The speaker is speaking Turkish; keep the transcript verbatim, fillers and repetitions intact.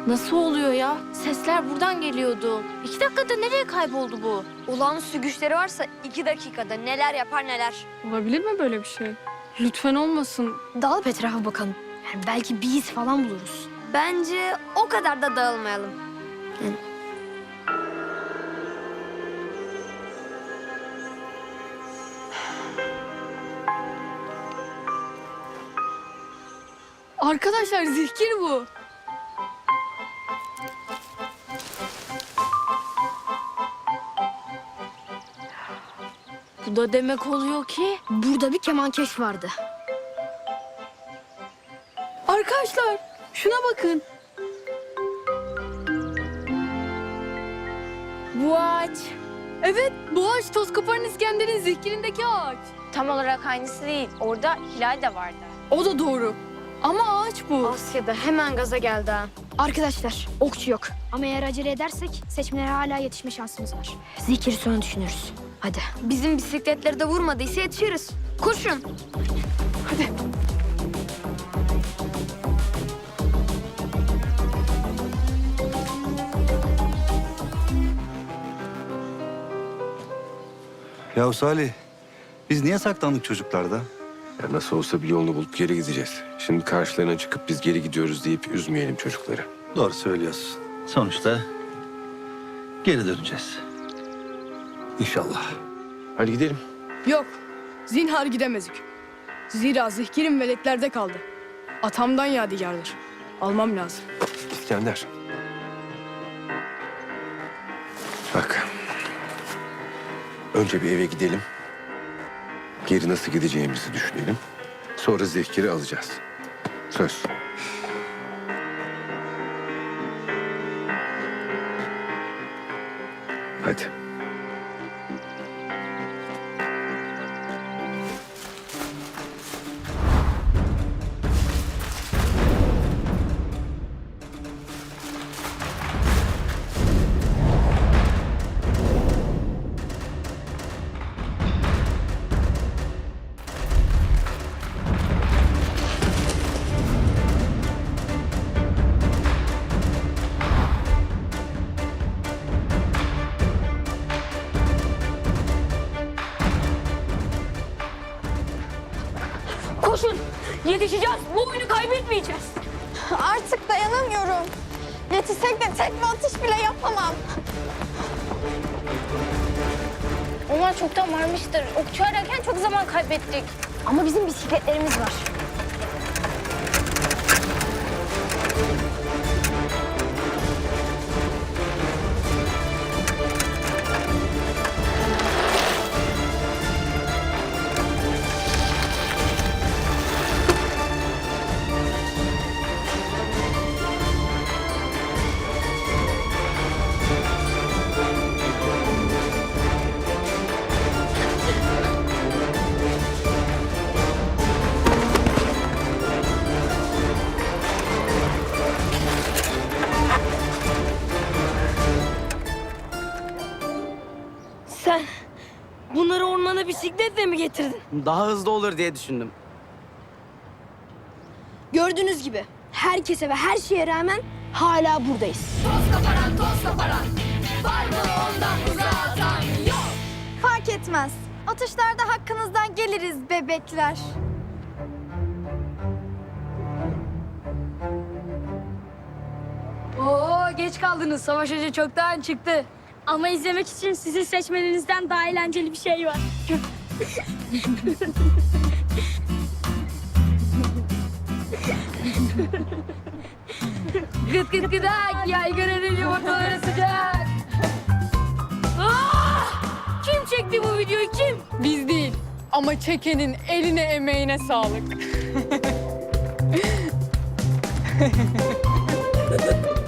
Nasıl oluyor ya? Sesler buradan geliyordu. İki dakikada nereye kayboldu bu? Olağanüstü güçleri varsa iki dakikada neler yapar neler. Olabilir mi böyle bir şey? Lütfen olmasın. Dağılıp etrafa bakalım. Yani belki bir iz falan buluruz. Bence o kadar da dağılmayalım. Arkadaşlar zihkir bu. Bu da demek oluyor ki... Burada bir kemankeş vardı. Arkadaşlar şuna bakın. Bu ağaç Evet, bu ağaç Toskopar'ın İskender'in zihkirindeki ağaç. tam olarak aynısı değil. Orada hilal de vardı. O da doğru. Ama ağaç bu. Asya'da hemen gaza geldi ha. Arkadaşlar okçu yok. Ama eğer acele edersek seçmelere hala yetişme şansımız var. Zikiri sonra düşünürüz. Hadi. Bizim bisikletleri de vurmadıysa yetişiriz. Koşun. Hadi. Ya Salih, biz niye saklandık çocuklarda? Ya nasıl olsa bir yolunu bulup geri gideceğiz. Şimdi karşılarına çıkıp biz geri gidiyoruz deyip üzmeyelim çocukları. Doğru söylüyorsun. Sonuçta geri döneceğiz. İnşallah. Hadi gidelim. Yok, zinhar gidemezdik. Zira zihkirim veletlerde kaldı. Atamdan yadigardır. Almam lazım. İskender. Bak. Önce bir eve gidelim. Geri nasıl gideceğimizi düşünelim. Sonra zevkiri alacağız. Söz. Hadi. Koşun! Yetişeceğiz. Bu oyunu kaybetmeyeceğiz. Artık dayanamıyorum. Yetişsek de tekme atış bile yapamam. Onlar çoktan varmıştır. Okçu ararken çok zaman kaybettik. Ama bizim bisikletlerimiz var. Sen bunları ormana bisikletle mi getirdin? Daha hızlı olur diye düşündüm. Gördüğünüz gibi herkese ve her şeye rağmen hala buradayız. Fark etmez. Atışlarda hakkınızdan geliriz bebekler. Oo, geç kaldınız. Savaş Hoca çoktan çıktı. Ama izlemek için sizin seçmenizden daha eğlenceli bir şey var. Gıt gıt gıdak, yaygaranın yumurtaları sıcak. Ah! Kim çekti bu videoyu, kim? Biz değil. Ama çekenin eline emeğine sağlık.